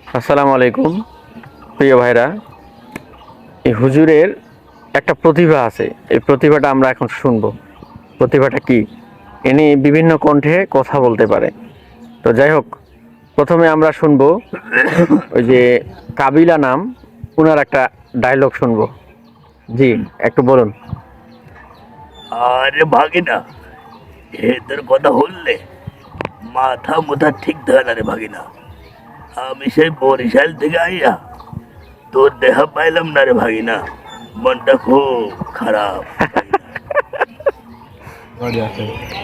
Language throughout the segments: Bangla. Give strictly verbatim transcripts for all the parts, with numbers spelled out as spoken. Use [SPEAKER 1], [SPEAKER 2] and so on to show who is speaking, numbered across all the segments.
[SPEAKER 1] আসসালামু আলাইকুম প্রিয় ভাইরা। এই হুজুরের একটা প্রতিভা আছে, এই প্রতিভাটা আমরা এখন শুনবো। প্রতিভাটা কি? ইনি বিভিন্ন কণ্ঠে কথা বলতে পারে। তো যাই হোক, প্রথমে আমরা শুনবো ওই যে কাবিলা নাম, ওনার একটা ডায়লগ শুনবো। জি, একটু বলুন।
[SPEAKER 2] আরে ভাগিনা, এদের কথা বললে মাথা মুথা ঠিক থাকে না রে ভাগিনা। আমি সেই বরিশাল থেকে আইয়া তোর দেখা পাইলাম না রে ভাগিনা, মনটা খুব খারাপ ভাগিনা।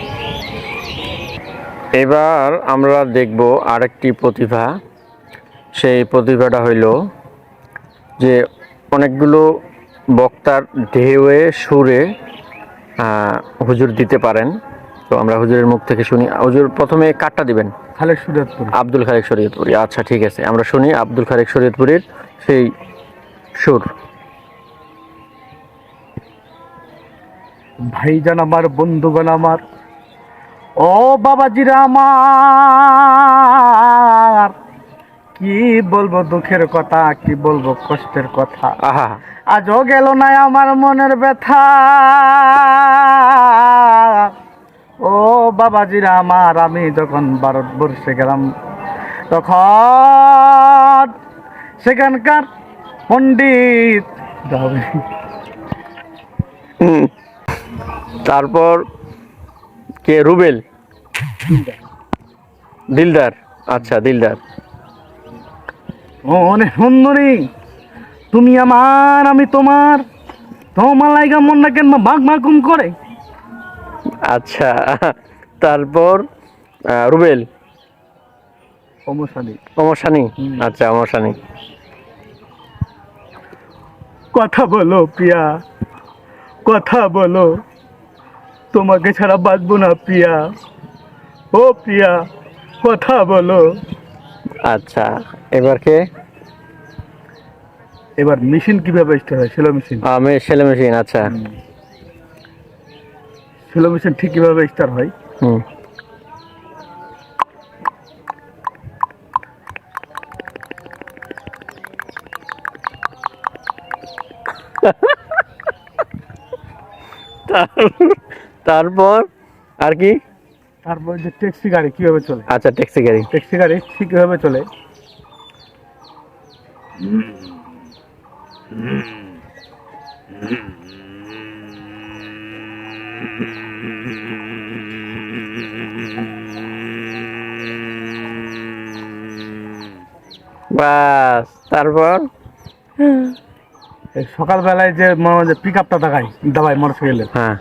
[SPEAKER 1] এবার আমরা দেখব আরেকটি প্রতিভা। সেই প্রতিভাটা হইল যে অনেকগুলো বক্তার ঢেউয়ে সুরে আহ, হুজুর দিতে পারেন। তো আমরা হুজুরের মুখ থেকে শুনি। হুজুর প্রথমে কাটটা দিবেন।
[SPEAKER 3] খালেক শরীয়তপুর।
[SPEAKER 1] আব্দুল খালেক শরীয়তপুরি। আচ্ছা, ঠিক আছে, আমরা শুনি আব্দুল খালেক শরীয়তপুরীর সেই সুর।
[SPEAKER 3] ভাইজান আমার, বন্ধুগণ আমার, ও বাবাজিরা আমার, কি বলবো দুঃখের কথা, কি বলবো কষ্টের কথা।
[SPEAKER 1] আহা,
[SPEAKER 3] আজও গেল না আমার মনের ব্যথা। ও বাবাজিরা আমার, আমি যখন ভারতবর্ষে গেলাম তখন সেখানকার পণ্ডিত
[SPEAKER 1] হুম, তারপর কে? রুবেল, দিলদার। আচ্ছা, দিলদার।
[SPEAKER 3] অনেক সুন্দরী তুমি আমার, আমি তোমার, তোমার লাইগা মনটা কেন ভাগ ভাগুম করে।
[SPEAKER 1] আচ্ছা, তারপর আহ, রুবেল,
[SPEAKER 3] সমস্যা নেই।
[SPEAKER 1] অমরসানি। আচ্ছা, অমরসানি।
[SPEAKER 3] কথা বলো প্রিয়া, কথা বলো, তোমাকে ছাড়া বাঁচবো না প্রিয়া, ও প্রিয়া কথা বলো।
[SPEAKER 1] আচ্ছা, এবার কে?
[SPEAKER 3] এবার মেশিন কিভাবে স্টার্ট হয়? Shallow machine.
[SPEAKER 1] আমি সেলে মেশিন। আচ্ছা।
[SPEAKER 3] সেলো মেশিন ঠিক কিভাবে স্টার্ট হয়?
[SPEAKER 1] হুম। তারপর আর কি?
[SPEAKER 3] তারপর যে ট্যাক্সি গাড়ি কিভাবে চলে?
[SPEAKER 1] আচ্ছা, ট্যাক্সি গাড়ি।
[SPEAKER 3] ট্যাক্সি গাড়ি ঠিক কিভাবে চলে?
[SPEAKER 1] বাস, তারপর
[SPEAKER 3] এই সকালবেলায় যে মনে হয় যে পিক আপটা দেখায় দাবায় মোটরসাইকেলের,
[SPEAKER 1] হ্যাঁ।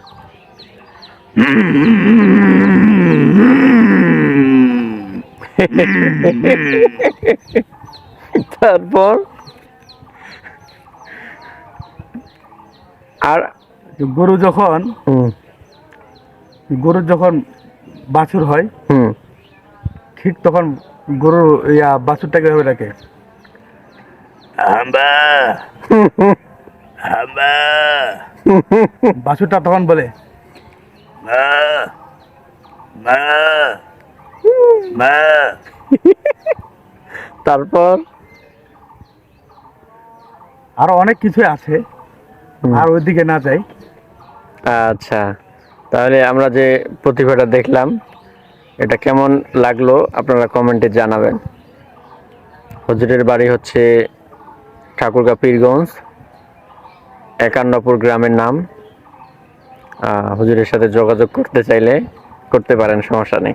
[SPEAKER 1] তারপর আর
[SPEAKER 3] গরু যখন
[SPEAKER 1] হুম
[SPEAKER 3] গরু যখন বাছুর হয়
[SPEAKER 1] হুম
[SPEAKER 3] ঠিক তখন গরুর ইয়া বাছুরটাকে ভাবে ডাকে।
[SPEAKER 2] হাম্বা হাম্বা,
[SPEAKER 3] বাছুরটা তখন বলে
[SPEAKER 2] মা মা মা।
[SPEAKER 1] তারপর
[SPEAKER 3] আরো অনেক কিছু আছে,
[SPEAKER 1] হুম।
[SPEAKER 3] আর ওইদিকে না যাই।
[SPEAKER 1] আচ্ছা, তাহলে আমরা যে প্রতিভাটা দেখলাম, এটা কেমন লাগলো আপনারা কমেন্টে জানাবেন। হুজুরের বাড়ি হচ্ছে ঠাকুরগাঁ পীরগঞ্জ, একান্নপুর গ্রামের নাম। আহ, হুজুরের সাথে যোগাযোগ করতে চাইলে করতে পারেন, সমস্যা নেই।